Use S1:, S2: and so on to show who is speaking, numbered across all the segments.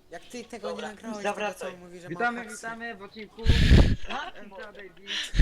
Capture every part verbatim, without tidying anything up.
S1: Jak ty tego
S2: Dobra,
S1: nie nagrałeś, tego
S2: zawracaj.
S1: co mówi, że
S3: Witamy,
S1: ma
S3: witamy w odcinku
S2: Tak,
S3: M T A Daily.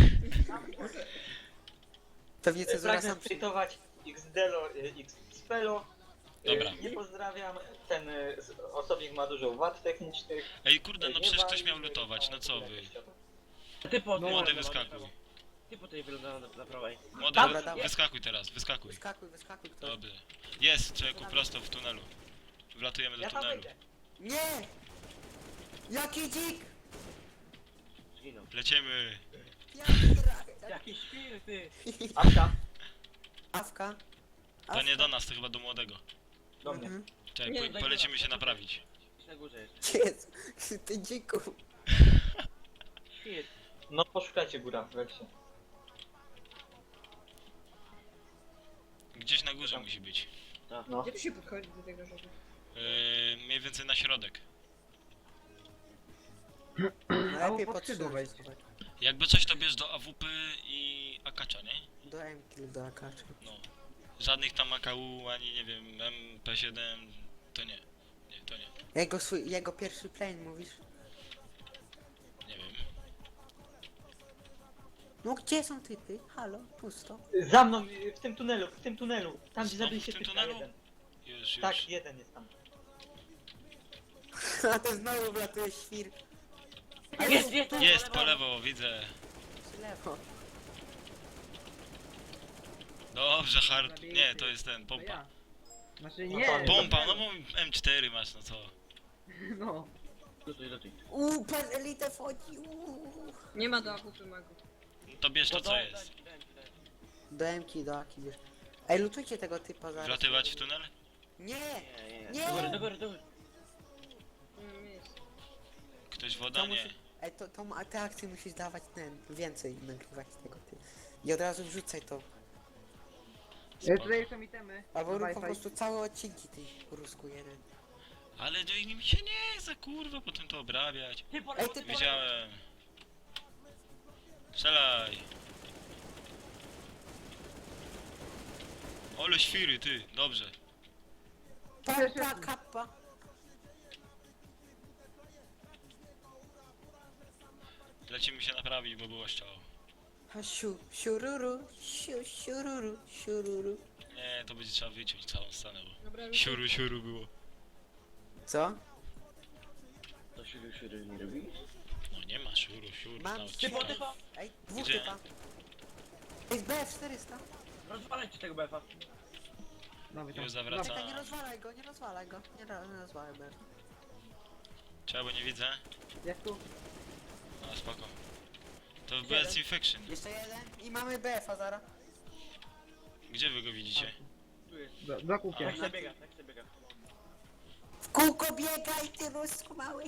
S1: Pewnie cezura
S2: Pragnę
S1: sam przy...
S2: tweetować Xdelo, y, Xpelo. Y,
S4: Dobra.
S2: Nie pozdrawiam, ten y, s- osobnik ma dużo wad technicznych.
S4: Ej kurde, no
S2: Nie
S4: przecież
S2: wali,
S4: ktoś miał
S2: y,
S4: lutować, no co wy?
S2: jakościowo.
S5: Ty po
S3: No,
S4: Młody
S3: no,
S4: wyskakuj.
S5: Ty po tej wygląda na, na prawej.
S4: Młody,
S1: Dobra,
S4: wy-
S1: dawaj.
S4: wyskakuj teraz, wyskakuj.
S1: Wyskakuj, wyskakuj ktoś.
S4: Dobrze. Jest, człowieku, prosto w tunelu. Wlatujemy do
S2: Ja tam
S4: tunelu.
S2: wejdę.
S1: Nie! Jaki dzik!
S5: Zginął.
S4: Lecimy.
S1: Jaki rak!
S5: Jaki świr, ty!
S2: Awka,
S1: Awka.
S4: To nie do nas, to chyba do młodego.
S2: do mnie.
S1: Mhm.
S4: Czekaj,
S5: Nie,
S4: po,
S5: daj
S4: polecimy
S5: góra,
S4: się
S5: daj
S4: naprawić.
S5: Na górze jest.
S1: Jezu, ty dziku.
S5: Świr.
S2: No poszukajcie góra, weźcie.
S4: Gdzieś na górze musi być.
S2: No.
S6: Gdzie tu się podchodzi do tego żeby...
S4: Yy, mniej więcej na środek.
S1: Lepiej
S3: pod
S1: pod
S3: skrzydło wejść.
S4: Jakby coś to bierz do A W P i Akacza, nie?
S1: Do M-Kill, do Akacza.
S4: No. Żadnych tam A K U, ani nie wiem, M P siedem, to nie. Nie, to nie.
S1: Jego, swój, jego pierwszy plane mówisz?
S4: Nie wiem.
S1: No gdzie są typy? Halo, pusto.
S2: Za mną, y, w tym tunelu, w tym tunelu. Tam gdzie
S4: Znowu
S2: zabiliście
S4: w tym
S2: typka
S4: tunelu?
S2: jeden.
S4: Już, już.
S2: Tak, jeden jest tam.
S1: A to znowu wlatuje świr.
S5: Jest, jest, tu,
S4: Jest, po lewo, widzę.
S1: Przy lewo.
S4: Dobrze, hard. Nie, to jest ten,
S3: To
S4: pompa.
S3: ja. Znaczy
S2: No
S3: nie.
S2: to-
S4: Pompa, no bo M cztery masz, no co?
S3: No.
S5: Lutuj, lutuj.
S1: Uuu, pan elite wchodzi, uuu.
S6: Nie ma do akupy magu.
S4: To bierz to,
S5: No
S4: co
S5: daj,
S4: jest.
S5: daj, daj, daj.
S1: Do M-ki, do Aki wiesz. Ej, lutujcie tego typa zaraz.
S4: Wlatywać w tunel?
S1: Nie!
S5: Nie, nie,
S1: Nie.
S5: nie. Do góry, do góry, do góry.
S6: Nie mam miejsca.
S4: Ktoś woda?
S1: To
S4: Nie.
S1: musi... Ej, to, to ma- te akcje musisz dawać ten, więcej nagrywać tego ty. I od razu wrzucaj to.
S3: E, Tutaj są itemy.
S1: Albo rób po
S3: Wi-Fi.
S1: prostu całe odcinki tej rusku jeden.
S4: Ale do mi się nie za kurwa potem to obrabiać.
S5: Ty po
S1: Ej,
S5: lewo,
S1: ty
S5: ty po lewo.
S4: Wiedziałem. Strzelaj. Ole świry, ty, dobrze.
S1: Papa, kappa.
S4: Lecimy się naprawić, bo było szczało.
S1: A siu, siururu, siu, siururu, siururu.
S4: Nie, to będzie trzeba wyciąć całą scenę, bo
S6: Dobra,
S4: siuru, siuru było.
S1: Co?
S5: To świr, świr nie robi?
S4: No nie ma siuru, siuru
S1: Mam
S4: na
S5: Typo,
S4: odcinku.
S5: typo!
S1: Ej, dwóch
S4: Gdzie?
S1: typa. Ej, B F czterysta.
S5: Rozwalajcie tego befa.
S3: Nowy tam.
S4: Już zawracam.
S1: Czekaj, nie rozwalaj go, nie rozwalaj go. Nie, ro- nie rozwalaj B F.
S4: Czego, bo nie widzę?
S3: Jest tu.
S4: No spoko. To w
S1: Jeden.
S4: B S Infection.
S1: Jeszcze jeden i mamy B F-a zaraz.
S4: Gdzie wy go widzicie?
S5: Tu jest.
S3: Do, do kupie.
S5: Tak się biega, tak się biega.
S1: W kółko biegaj, ty rusku mały.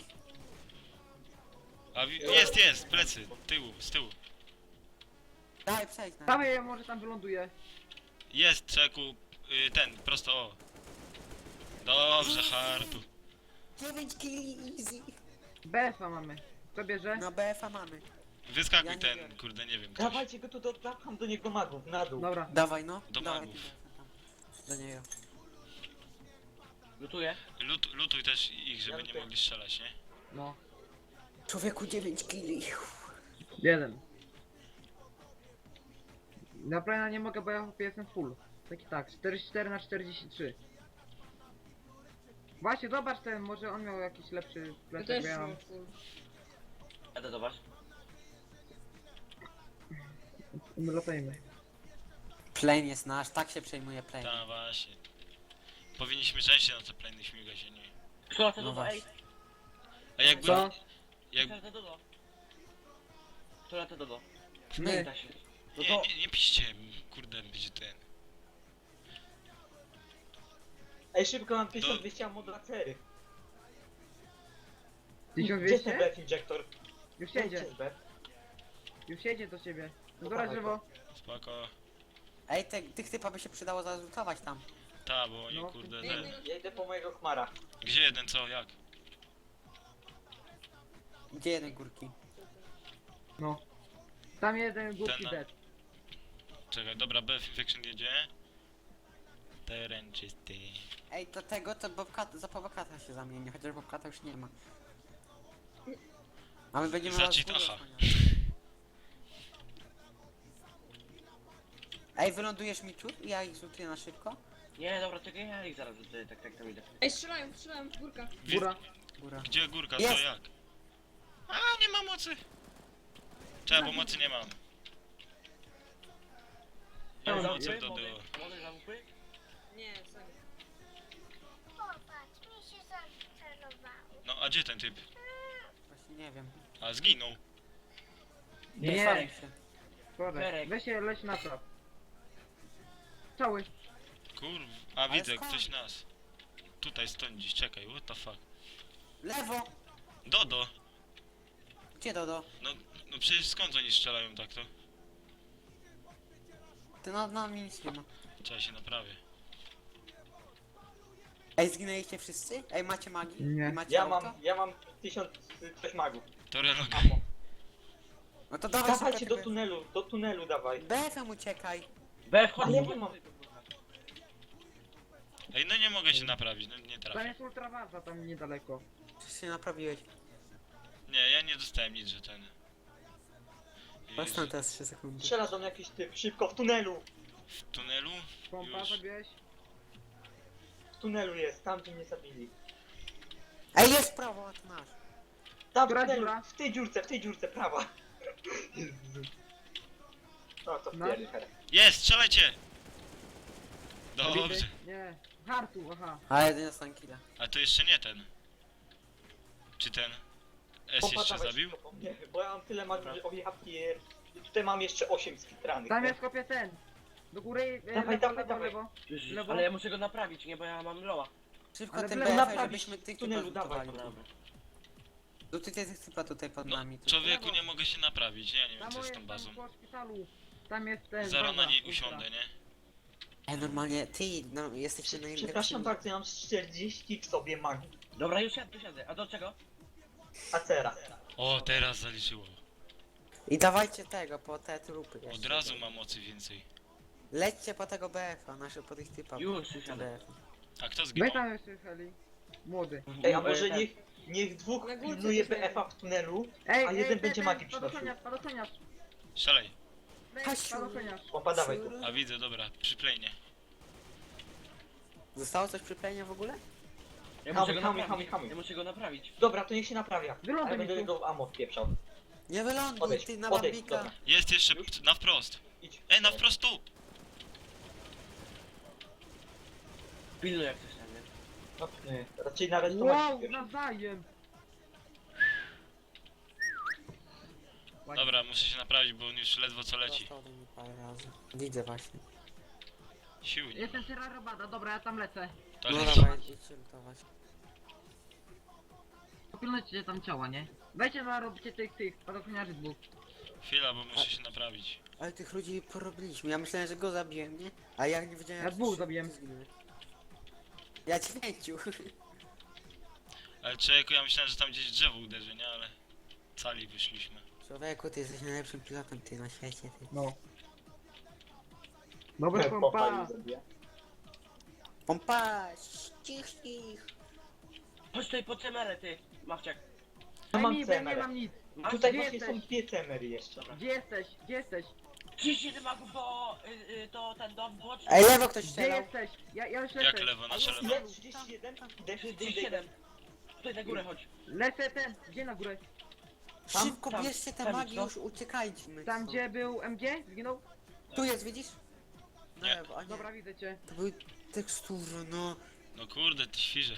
S4: A wi- jest, jest, plecy, tyłu, z tyłu.
S1: Daj, przejdź na
S3: Tam je, może tam wyląduje.
S4: Jest, czeku, y, ten, prosto o. Dobrze, hartu.
S1: dziewięć killi easy.
S3: B F a mamy. Kto bierze?
S1: No B F-a mamy.
S4: Wyskakuj
S1: Ja nie
S4: ten,
S1: biorę.
S4: kurde, nie wiem, ktoś.
S2: Dawajcie go tu, do, dopcham do niego magów, na dół.
S3: Dobra.
S1: Dawaj no.
S4: Do
S1: Dawaj,
S4: magów.
S1: ty B F-a tam. Do niego.
S5: Lutuję.
S4: Lut, lutuj też ich, żeby
S2: Ja
S4: nie
S2: lutuję.
S4: mogli strzelać, nie?
S3: No.
S1: Człowieku dziewięć killi.
S3: Jeden. Na plana nie mogę, bo ja jestem full. Tak i tak. czterdzieści cztery na czterdzieści trzy. Właśnie, zobacz ten, może on miał jakiś lepszy
S6: Ja
S3: plecak,
S6: też
S3: bo ja mam.
S6: mam full.
S5: Jadę do was.
S3: My latajmy.
S1: Plane jest nasz, tak się przejmuje plane.
S4: Tak, właśnie. Powinniśmy częściej na te plany śmigać, a nie.
S5: Kto lata
S1: No
S5: do ej?
S1: właśnie.
S4: A jakby...
S3: Co?
S4: Jak,
S5: Kto lata do do? Kto lata do do?
S1: My.
S5: Da się. No
S4: nie,
S5: to...
S4: nie, nie piszcie, kurde, będzie ten.
S2: Ej, szybko mam tysiąc dwieście ammo dla cery.
S3: tysiąc
S2: Gdzie jest ten
S3: dwieście?
S2: B F injektor?
S3: Już
S2: Gdzie
S3: jedzie.
S2: jest B F?
S3: Już jedzie do ciebie.
S2: No
S3: Dobra,
S2: dawaj
S3: żywo.
S4: Spoko.
S1: Ej, te, tych typa by się przydało zarzutować tam.
S4: Ta, bo oni,
S3: No.
S4: kurde,
S6: Nie,
S4: ten.
S6: nie,
S2: Ja idę po mojego chmara.
S4: Gdzie jeden, co, jak?
S1: Gdzie jeden górki?
S3: No. Tam jeden górki
S4: Ten na-
S3: dead.
S4: Czekaj, dobra, B F Infection jedzie. teren czysty.
S1: Ej, to tego to Bobcat, za Bobcata się zamieni, chociaż Bobcata już nie ma. A my będziemy
S4: Za
S1: was
S4: cheatacha.
S1: osłaniać. Ej, wylądujesz mi tu? Ja ich zlutuję na szybko.
S5: Nie, dobra, czekaj, ja ich zaraz rzucę, tak, tak, tam idę.
S6: Ej, strzelają, strzelają, górka.
S3: Góra.
S1: Góra.
S4: Gdzie górka,
S1: Jest.
S4: co jak? A, nie ma mocy! Czemu, bo mocy nie mam. Nie mam
S3: Dobra,
S4: mocy
S5: Młody,
S4: do
S5: młody,
S4: tego.
S5: młody zamkły?
S6: Nie, sorry.
S7: Popatrz, mi się zaczarowało.
S4: No, a gdzie ten typ?
S1: Właśnie nie wiem.
S4: A, zginął.
S3: Nie,
S1: Wychwalił się.
S3: Słodek.
S5: Berek.
S3: Weź się, leć na trap. Cały.
S4: Kurw. A,
S1: Ale
S4: widzę,
S1: skąd?
S4: ktoś nas. Tutaj stoi gdzieś, czekaj, what the fuck.
S1: Lewo!
S4: Dodo!
S1: Gdzie Dodo?
S4: No, no przecież skąd oni strzelają tak to?
S1: Ty na, na mnie nic nie ma.
S4: Trzeba się naprawię.
S1: Ej, zginęliście wszyscy? Ej, macie magii?
S3: Nie.
S1: Macie
S2: Ja
S1: auto?
S2: mam, ja mam tysiąc coś magów.
S4: To relog.
S2: Amo.
S1: No to dawaj
S2: Dawajcie
S1: szybko
S2: do
S1: tego-
S2: tunelu, do tunelu dawaj.
S1: B F-em uciekaj.
S5: B, wchodź,
S2: Ale
S5: wchodź,
S2: nie mam.
S5: wchodź, kurwa.
S4: Ej, no nie mogę się naprawić, no nie
S3: Tam
S4: trafię.
S3: jest ultrawaza, tam niedaleko.
S1: Czy się naprawiłeś?
S4: Nie, ja nie dostałem nic, że ten...
S1: Patrz tam teraz trzy sekundy.
S2: Strzela do mnie jakiś typ, szybko, w tunelu.
S4: W tunelu?
S3: Pompa
S4: Już.
S3: zabiłeś?
S2: W tunelu jest, tam gdzie mnie zabili.
S1: Ej, jest prawo, a to masz.
S2: Tam w
S3: Która
S2: tunelu,
S3: dziura?
S2: w tej dziurce, w tej dziurce, prawa. Jezu. No to
S3: No.
S2: wpierdolę.
S4: Jest, strzelajcie! Dobrze.
S3: Zabity? Nie. Hartu, aha.
S1: Ale jeden jest killa.
S4: A to jeszcze nie ten. Czy ten? S jeszcze
S2: Popadałeś
S4: zabił?
S2: szybko po mnie, bo ja mam tyle magów, że o ja pier... Tutaj mam jeszcze osiem skitranych.
S3: Tam jest kopie ten. Do góry, e,
S2: Dawaj,
S3: lewo,
S2: dawaj,
S3: lewo,
S2: dawaj.
S3: lewo.
S5: Jezus,
S3: Lewo.
S5: ale ja muszę go naprawić, nie, bo ja mam loa.
S1: Szybko
S3: Ale
S1: tym
S3: w
S1: B
S3: lewo
S1: F-em,
S2: naprawić
S1: żebyśmy tych
S2: w tunelu,
S1: typów
S2: dawaj,
S1: zlutowali.
S5: Dobra, dobra.
S1: Lutuj tych typa tutaj pod
S4: No,
S1: nami. tu.
S4: człowieku,
S3: Lewo.
S4: nie mogę się naprawić, ja nie wiem
S3: Tam
S4: co z
S3: jest
S4: tą
S3: tam
S4: bazą.
S3: po szpitalu. Tam jest ten.
S4: Zaraz na
S3: baza,
S4: niej
S3: ultra.
S4: usiądę, nie?
S1: Ej, normalnie, ty, no, jesteście najlepsi.
S2: Przepraszam bardzo, ja mam czterdzieści w sobie magów.
S5: Dobra, już siadę, siadę. A do czego?
S2: Acera.
S4: O, teraz zaliczyło.
S1: I dawajcie tego, po te trupy
S4: Od
S1: jeszcze.
S4: razu mam mocy więcej.
S1: Lećcie po tego B F-a, nasze po tych typach.
S5: Już, już
S1: B
S5: siadę.
S1: F.
S4: A kto
S3: Weź
S4: zginął?
S3: tam jeszcze heli. Młody.
S2: Ej, a
S5: No,
S2: może
S5: ten-
S2: niech, niech dwóch
S6: Na górce
S2: pilnuje
S6: coś
S2: B F-a w tunelu,
S3: Ej,
S2: a
S3: ej,
S2: jeden
S3: ten,
S2: będzie
S3: ten,
S2: magii przynosił.
S3: Spadochroniarz, spadochroniarz.
S4: Strzelaj.
S3: Weź,
S1: Kasiu.
S3: Spadochroniarz.
S2: Pompa, dawaj tu.
S4: A widzę, dobra, przyplejnie.
S1: Zostało coś przy planie w ogóle?
S5: Ja
S2: Hamuj,
S5: muszę go
S2: hamuj,
S5: naprawić.
S2: hamuj, hamuj.
S5: Ja muszę go naprawić.
S2: Dobra, to niech się naprawia.
S3: Wyląduj
S2: Ale
S3: mi
S2: będę
S3: tu.
S2: go ammo wpieprzał.
S1: Nie wyląduj,
S2: Odejdź,
S1: ty na
S2: odejdź,
S1: bambika.
S2: dobra.
S4: Jest jeszcze
S2: Już?
S4: p- na wprost.
S2: Idź.
S4: Ej, na wprost tu!
S5: Pilnuj jak coś tam, nie?
S2: No, nie. Raczej nawet to
S3: Wow,
S2: magii wpieprz.
S3: nawzajem. Ładnie.
S4: Dobra, muszę się naprawić, bo on już ledwo co leci.
S1: Zostało mi parę razy. Widzę właśnie.
S4: Sił nie ma.
S3: Jestem Sierra Robada, dobra, ja tam lecę.
S4: To
S1: No
S4: leci.
S1: dobra, idźcie lutować.
S3: Popilnujcie tam ciała, nie? Weźcie na robicie tych, tych, spadochroniarzy dwóch.
S4: Chwila, bo muszę się naprawić.
S1: Ale tych ludzi porobiliśmy. Ja myślałem, że go zabiłem, nie? A ja nie wiedziałem,
S3: Ja
S1: że
S3: dwóch
S1: ty
S3: zabiłem.
S1: zginąłeś. Ja dziewięciu.
S4: Ale człowieku, ja myślałem, że tam gdzieś drzewo uderzy, nie? Ale cali wyszliśmy.
S1: Człowieku, ty jesteś najlepszym pilotem ty na świecie, ty.
S3: No. Dobra
S2: Nie,
S3: pompa.
S2: pochwalił zabija.
S1: Pompa, ścichnij ich.
S5: Chodź tutaj po cemerę, ty, Mawciak.
S2: Ja
S3: Daj
S2: mam
S3: mi, bo ja nie
S2: cemerę.
S3: mam nic.
S2: Tutaj
S3: Gdzie
S2: właśnie są
S3: jesteś?
S2: dwie cemery jeszcze.
S3: Gdzie jesteś? Gdzie jesteś?
S5: trzydzieści siedem magów to, y, y, to ten dom boczny.
S1: Ej, lewo ktoś
S3: Gdzie
S1: strzelał.
S3: jesteś? Ja, ja już
S4: Jak
S3: lecę.
S4: lewo, nasze lewo.
S2: Ile? trzydzieści jeden? Idę,
S5: trzydzieści
S2: idę, idę.
S5: siedem. Tutaj na górę chodź.
S3: Lecę ten, gdzie na górę?
S5: Tam,
S1: Szybko
S5: tam,
S1: bierzcie te
S5: tam,
S1: magii,
S5: no.
S1: już uciekajcie.
S3: Tam gdzie był M G? Zginął?
S1: Tu jest, widzisz? Na
S4: Nie.
S1: lewo, a nie.
S3: Dobra, widzę cię.
S1: To były tekstury, no.
S4: No kurde, ty świrze.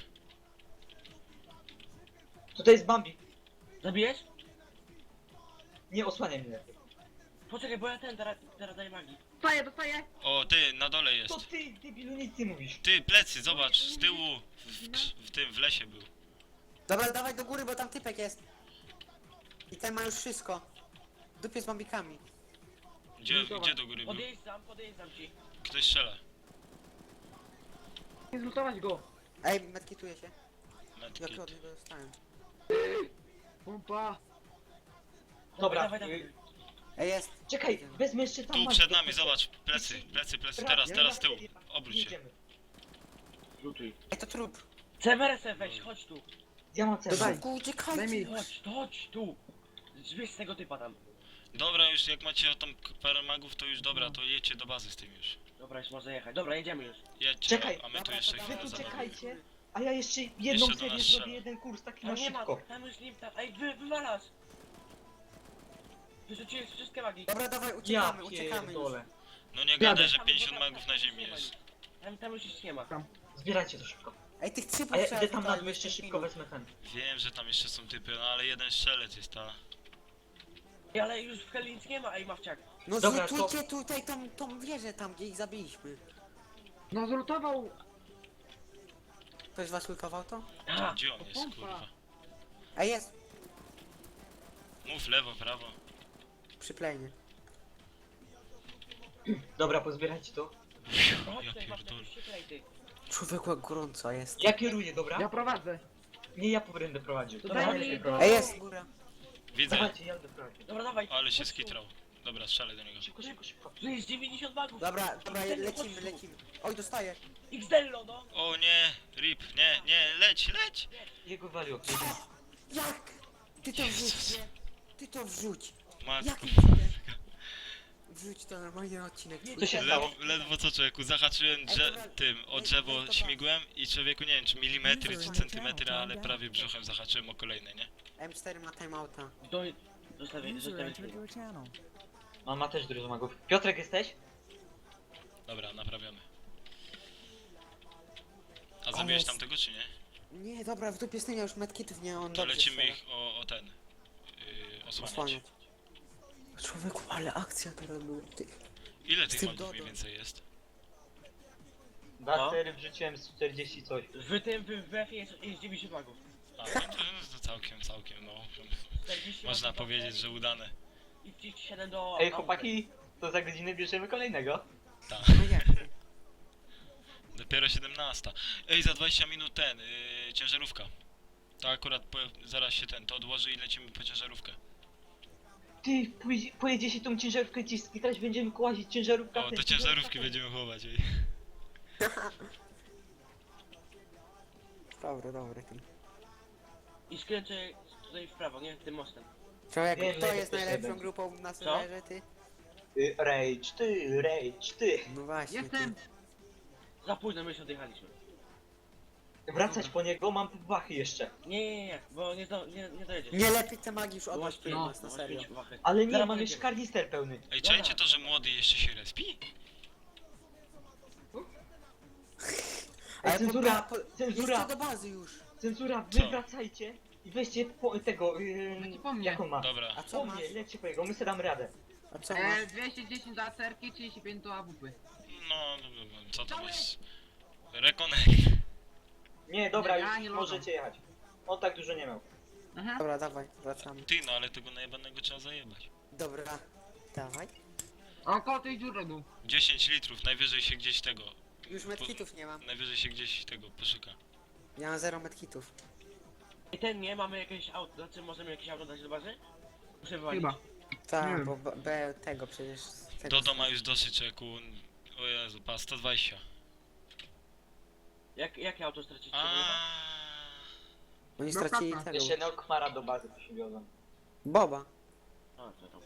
S2: Tutaj jest Bambi.
S5: Zabijesz?
S2: Nie osłaniaj mnie.
S5: Poczekaj, bo ja ten, teraz, teraz daję magii.
S3: Dostaję, dostaję!
S4: O, ty, na dole jest.
S2: To ty, debilu, nic nie mówisz.
S4: Ty, plecy, zobacz, z tyłu, w, krz- w tym, w lesie był.
S1: Dobra, dawaj do góry, bo tam typek jest. I ten ma już wszystko. W dupie z bambikami.
S4: Gdzie,
S3: Zlutować.
S4: gdzie do góry był?
S5: Podjeżdżam, podjeżdżam ci.
S4: Ktoś strzela.
S3: Nie zlutować go.
S1: Ej, medkituję się.
S4: Medkit.
S1: Jak od niego dostałem.
S3: Pompa.
S2: Dobra,
S5: Dawaj, dawaj.
S2: y,
S1: Ej, jest.
S2: czekaj, wezmę jeszcze tam
S4: Tu
S2: magii
S4: przed
S2: do
S4: nami,
S2: tego.
S4: zobacz, plecy, plecy, plecy,
S2: Ra-
S4: teraz,
S2: ja
S4: teraz,
S2: na
S4: tył.
S2: serio,
S4: Obróć się.
S2: jedziemy.
S5: Lutuj.
S1: Ej, to trup.
S5: Cemeresem weź, chodź tu.
S2: Ja mam
S1: Do
S2: cel.
S3: Daj.
S1: szybku,
S3: Daj
S1: uciekajcie.
S3: mi.
S5: Chodź, chodź tu. Weź z tego typa tam.
S4: Dobra, już jak macie tą k- parę magów, to już dobra, to jedźcie do bazy z tym już.
S5: Dobra, już można jechać. Dobra, jedziemy już.
S4: Jedźcie,
S2: Czekaj,
S4: a my tu
S1: dobra,
S4: jeszcze
S1: to
S2: Wy
S4: chwilę
S2: tu
S4: zabawimy.
S2: czekajcie, a ja jeszcze jedną
S4: Jeszcze do
S2: serię
S4: nas
S2: zrobię,
S4: strzela.
S2: jeden kurs taki
S5: A
S2: na
S5: nie ma,
S2: szybko.
S5: tam już nim tam. Ej, wy, wywalasz. Wyrzuciłeś wszystkie magii.
S1: Dobra, dawaj,
S2: Ja
S1: uciekamy, uciekamy już.
S2: pierdolę.
S4: No nie
S3: Jadę.
S4: gadaj, że
S5: Tam,
S4: pięćdziesiąt
S5: bo tam-
S4: magów na ziemi jest.
S5: Tam, tam już nic nie ma.
S2: Zbierajcie to szybko.
S1: Ej, tych trzypów
S2: A ja
S1: trzeba
S2: idę tam na
S1: wypalić
S2: dół jeszcze
S1: w
S2: szybko
S1: minut.
S2: wezmę ten.
S4: Wiem, że tam jeszcze są typy, no ale jeden strzelec jest, ta.
S5: Ej, ale już w heli nic nie ma, ej Mawciak.
S1: No
S2: Dobra,
S1: zlutujcie tutaj tą, tą wieżę tam, gdzie ich zabiliśmy.
S3: No zlutował.
S1: Ktoś was lutował to?
S5: A,
S4: Gdzie on jest,
S3: pompa.
S4: kurwa?
S1: Ej, jest.
S4: Mów lewo, prawo.
S1: Przy plejnie.
S2: Dobra, pozbierajcie to.
S5: chodź
S4: Ja
S5: tutaj Mawciak,
S4: pierdolę.
S5: już się klej, ty.
S1: Człowieku, jak gorąco jest.
S2: Ja kieruję, dobra?
S3: Ja prowadzę.
S2: Nie, ja będę prowadził.
S3: To
S2: Dobra,
S3: daj
S2: ja
S3: mi
S2: się
S3: to.
S2: prowadzę.
S1: Ej, jest góra.
S4: Widzę,
S2: Dawajcie, ja będę prowadził.
S5: Dobra, dawaj.
S4: ale się
S5: chodź tu.
S4: skitrał. Dobra, strzelaj do niego.
S2: Szybko, szybko, szybko.
S5: Tu jest dziewięćdziesiąt magów.
S1: Dobra, dobra,
S5: Xdello,
S1: lecimy,
S5: chodź tu.
S1: lecimy. Oj, dostaję.
S5: Xdello, no.
S4: O nie, rip, nie, nie, leć, leć!
S2: Jego waliło.
S1: Jak? Ty to wrzuć, nie? Ty to wrzuć.
S4: Matko.
S1: Jakim cudem? Wrzuć to normalnie na odcinek.
S2: Co się stało?
S4: Ledwo, ledwo co człowieku, zahaczyłem drze tym o drzewo śmigłem i człowieku nie wiem czy milimetry czy centymetry, ale prawie brzuchem zahaczyłem o kolejne, nie?
S1: M cztery ma timeouta.
S5: Do... Zostawię, zostawię.
S2: Mama też dużo magów. Piotrek jesteś?
S4: Dobra, naprawiamy. A zabiłeś
S1: jest-
S4: tamtego czy nie?
S1: Nie, dobra, w dupie z tym ja już medkitów nie, on
S4: To
S1: dobrze
S4: lecimy
S1: strzela.
S4: ich o, o ten. Yy, osłaniać.
S1: Osłaniać. Człowieku, ale akcja teraz była. Ty.
S4: Ile
S1: Z
S4: tych
S1: tym
S4: magów mniej
S1: Dodo.
S4: więcej jest?
S2: Dwa sery wrzuciłem z czterdzieści coś.
S5: W tym, w W F jest, jest dziewięćdziesiąt magów.
S4: A, no to, no to całkiem, całkiem, no.
S5: czterdzieści
S4: Można
S5: magów do
S4: powiedzieć,
S5: W F
S4: że udane.
S5: I trzydzieści siedem do...
S2: Ej chłopaki, to za godzinę bierzemy kolejnego.
S4: Tak.
S1: No jak ty?
S4: Dopiero siedemnasta. Ej, za dwadzieścia minut ten, yy, ciężarówka. To akurat po, zaraz się ten, to odłoży i lecimy po ciężarówkę.
S2: Ty, pojedzie, pojedzie się tą ciężarówkę ci skitrać, będziemy kłazić ciężarówkę.
S4: O, do ciężarówki będziemy chować, ej.
S1: Dobry, dobry. Ten.
S5: I skręcę tutaj w prawo, nie? Tym mostem.
S1: Człowieku,
S2: Wiem,
S1: kto
S2: że
S1: jest
S2: to
S1: najlepszą
S2: siedem.
S1: grupą na serwerze, ty?
S2: Y, Rage ty, rage ty.
S1: No właśnie,
S3: Jestem.
S1: ty.
S5: Za późno my już odjechaliśmy.
S2: Wracać po niego, mam wachy jeszcze.
S5: Nie, nie, nie, bo nie, do, nie, nie dojedziesz.
S1: Nie lepiej te magii już
S5: Bo
S1: odłaś
S5: masz
S1: no,
S5: pięć,
S1: nas, na
S5: masz
S1: serio.
S5: pięć wachy.
S2: Ale nie,
S5: Zaraz
S2: mam
S5: pojedziemy.
S2: jeszcze karnister pełny.
S4: Ej,
S5: Dobra.
S4: czajcie to, że młody jeszcze się respi?
S2: Ej,
S1: Ale
S2: cenzura,
S1: po, po,
S2: cenzura,
S1: Jedźcie do bazy już.
S2: cenzura,
S4: Co?
S2: wy wracajcie i weźcie po, tego, yy,
S3: Chodź po mnie.
S2: jak on ma?
S4: Dobra.
S1: A co
S2: Po
S1: masz?
S2: mnie, lećcie po jego, my sobie damy radę.
S1: A co masz?
S3: E, dwieście dziesięć do acerki, trzydzieści pięć do A W P.
S4: No, no, no, no, co to jest? Rekonek.
S2: Nie, dobra,
S3: Nie, ja
S2: już
S3: nie
S2: możecie jechać. On tak dużo nie miał.
S3: Aha.
S1: Dobra, dawaj, wracamy.
S4: Ty, no ale tego najebanego trzeba zajebać.
S1: Dobra, dawaj.
S3: A około tej dziury był.
S4: dziesięć litrów, najwyżej się gdzieś tego.
S1: Już medkitów nie mam.
S4: Najwyżej się gdzieś tego poszuka.
S1: Ja mam zero medkitów.
S5: I ten nie, mamy jakieś auto, znaczy możemy jakieś auto dać do bazy? Muszę wywalić.
S3: Chyba.
S1: Tak,
S3: Nie.
S1: bo B, B tego przecież... Tego
S4: Dodo ma już dosyć czeku. O Jezu, pa, sto dwadzieścia.
S5: Jak, jakie auto stracić?
S4: A.
S1: Oni
S3: No
S1: stracili
S3: kapa.
S1: tego.
S2: Jeszcze Neokmara do bazy przywiozłem.
S1: Boba.
S5: A, co tam?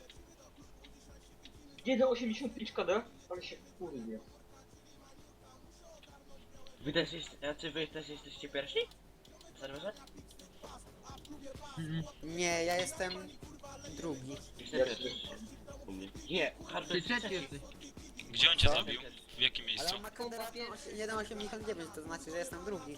S2: jeden osiemdziesiąt pięć K D? Ale się kurde.
S5: Wy też jest, znaczy wy też jesteście pierwsi? W serwerze?
S3: Mhm.
S1: Nie, ja jestem drugi.
S5: Jestem pierwszy. U mnie. Nie, Hardo
S3: Ty
S5: jest
S3: trzeci
S5: trzeci.
S3: jesteś.
S4: Gdzie on cię
S1: Co?
S4: zabił? W jakim
S1: Ale
S4: miejscu?
S1: on ma kodera jeden osiemdziesiąt dziewięć, to znaczy, że jestem drugi.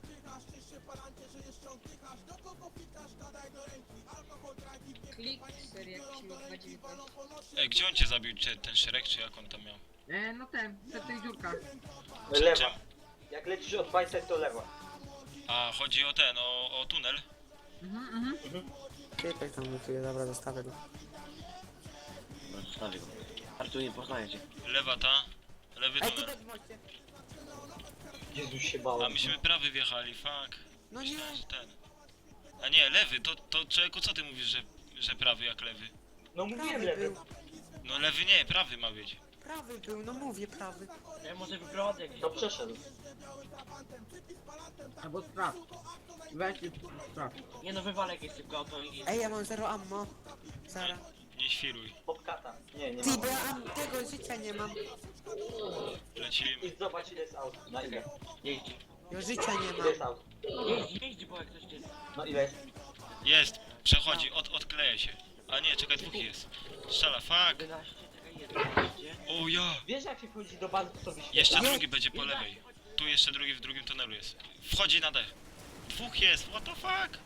S6: Klik, seria, jakiś mi dwa dziewiętnaście.
S4: Ej, gdzie on cię zabił? Czy ten szereg, czy jak on tam miał?
S3: E, no ten, przed tej dziurka.
S2: Lewa. Jak lecisz od bajce, to lewa.
S4: A, chodzi o ten, o, o tunel?
S3: Mhm, mhm.
S1: Typek tam lutuje, dobra, zostawię go.
S5: No, zostawię go. Artur nie poznaje cię.
S4: Lewa ta, lewy
S1: Ej,
S4: tunel.
S1: tutaj w moście.
S2: Jezus się
S4: A
S2: bałem.
S4: myśmy prawy wjechali, fuck.
S1: No nie.
S4: Myślałem, że ten. A nie, lewy, to, to człowieku, co ty mówisz, że, że prawy jak lewy?
S2: No mówiłem
S1: Prawy
S2: lewy.
S1: był.
S4: No lewy nie, prawy ma być.
S1: Prawy był, no mówię prawy.
S5: Ja może wyprowadzę jakiś
S2: To
S5: auto.
S2: przeszedł.
S3: Albo strap. Weź i strap.
S5: Nie no, wywalę jakieś szybko auto i...
S1: Ej, ja mam zero ammo. Zara.
S4: Nie świruj.
S2: Bobcata. Nie, nie
S1: Ty,
S2: ma.
S1: bo ja am tego życia nie mam.
S4: Lecimy.
S2: I zobacz ile jest aut. Na ile?
S5: Jeździ.
S1: Ja życia nie
S2: Ile jest
S1: mam.
S2: aut?
S5: Jeździ, jeździ, bo jak ktoś cię...
S2: No ile jest?
S4: Jest. Przechodzi, od, odkleja się. A nie, czekaj, dwóch jest. Strzela, fuck.
S5: jedenaście, czekaj, jedenaście.
S4: O ja.
S2: Wiesz jak się wchodzi do bazy, to wyświetla?
S4: Jeszcze drugi będzie po lewej. Tu jeszcze drugi w drugim tunelu jest. Wchodzi na D. Dwóch jest, what the fuck?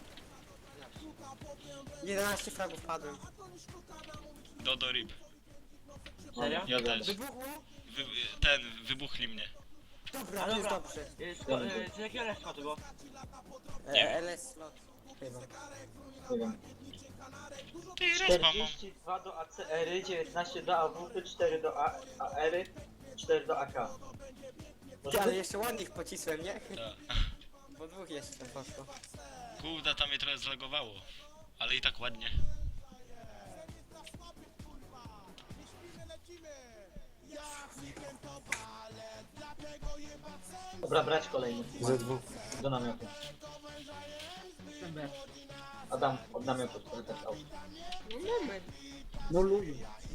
S1: jedenaście fragów padłem.
S4: Dodo rip.
S5: Serio?
S4: Ja też.
S1: Wybuchło?
S4: Wy, ten, wybuchli mnie.
S1: Dobra,
S5: A
S1: to jest
S5: dobra.
S1: dobrze.
S5: Y, sko- y, Czy jakiego respa to było?
S1: E, L S slot. Chyba.
S2: Nie wiem.
S4: Ty, respa mam.
S2: czterdzieści dwa do A C R, dziewiętnaście do A W P, cztery do A R, cztery do A K.
S1: Ty, ale jeszcze ładnych pocisłem, nie?
S4: Ta.
S1: Bo dwóch jeszcze poszło.
S4: Kurde, tam mnie trochę zlagowało. Ale i tak ładnie.
S2: Dobra, brać kolejny.
S1: Ze dwóch.
S2: Do namiotu.
S3: Jestem bez.
S2: Adam, od namiotu, który też aut.
S6: No mamy.
S3: No luju.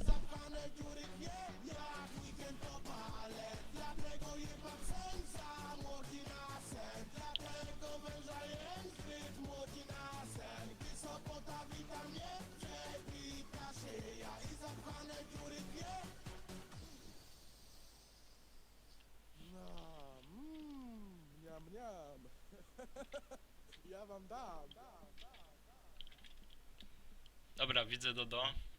S8: Mniam, mniam. Ja wam dam.
S4: Dobra, widzę Dodo.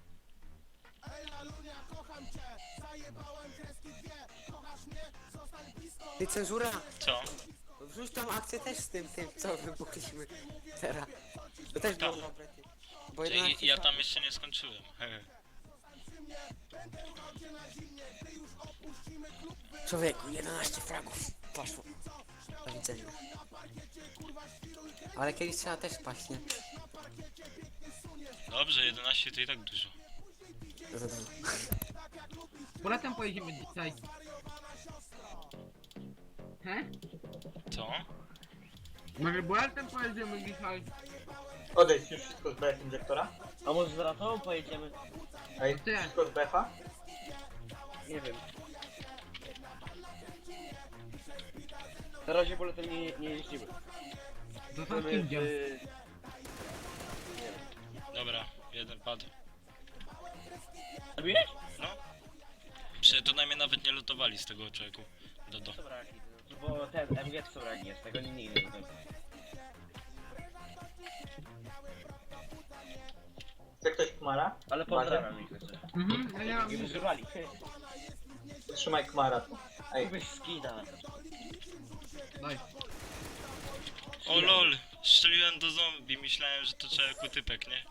S1: Ty, cenzura!
S4: Co?
S1: Wrzuć tą akcję też z tym, tym, co wybuchliśmy teraz. To też było
S4: Tak.
S1: dobre, ty. Bo
S4: Ja,
S1: jedenaście
S4: ja tam
S1: fragów.
S4: jeszcze nie skończyłem. Hehe.
S1: Człowieku, jedenaście fragów. Poszło. Do widzenia. Ale kiedyś trzeba też paść, nie?
S4: Dobrze, jedenaście to i tak dużo.
S3: Polecam pojedziemy dzisiaj. He?
S4: Co?
S3: Może Boletem pojedziemy dzisiaj?
S2: Odejdź już wszystko z B F injektora.
S5: A może z ratową pojedziemy?
S2: Ej,
S3: Ty.
S2: wszystko z B F a?
S5: Nie wiem. Na razie boletem nie, nie jeździmy.
S3: Za tam
S5: Chcemy,
S3: idzie.
S5: y,
S4: Dobra, jeden padł.
S5: Zabiłeś?
S4: No. Prze to najmniej nawet nie lutowali z tego człowieku. Dodo.
S5: Dobra, bo ten M G to braki jest, tego nie nigdy nie wiem.
S2: Chce ktoś Kmara?
S5: Ale pozdrawiam ich jeszcze.
S3: Mhm, ja nie mam
S5: Nie
S3: nic.
S5: wyżywali.
S2: Trzymaj Kmara tu. Ej,
S5: Kupisz skina.
S3: Daj.
S4: O lol, strzeliłem do zombie, myślałem, że to człowieku typek, nie?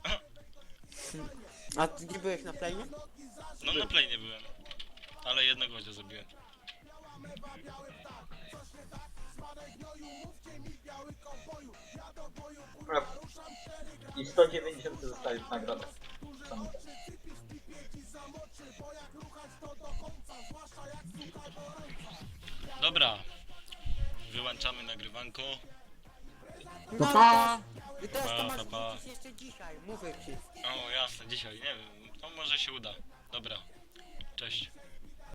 S1: A ty nie byłeś na planie?
S4: No na play nie byłem. Ale jednego chociaż zabiłem.
S2: dobra. I sto dziewięćdziesiąt zostali w nagrodę.
S4: Dobra. Wyłączamy nagrywanko.
S1: No,
S3: pa!
S1: I teraz to
S4: Pa,
S1: masz
S4: pa, pa.
S1: wrócić jeszcze dzisiaj, mówię ci.
S4: O jasne, dzisiaj, nie wiem. To może się uda. Dobra. Cześć.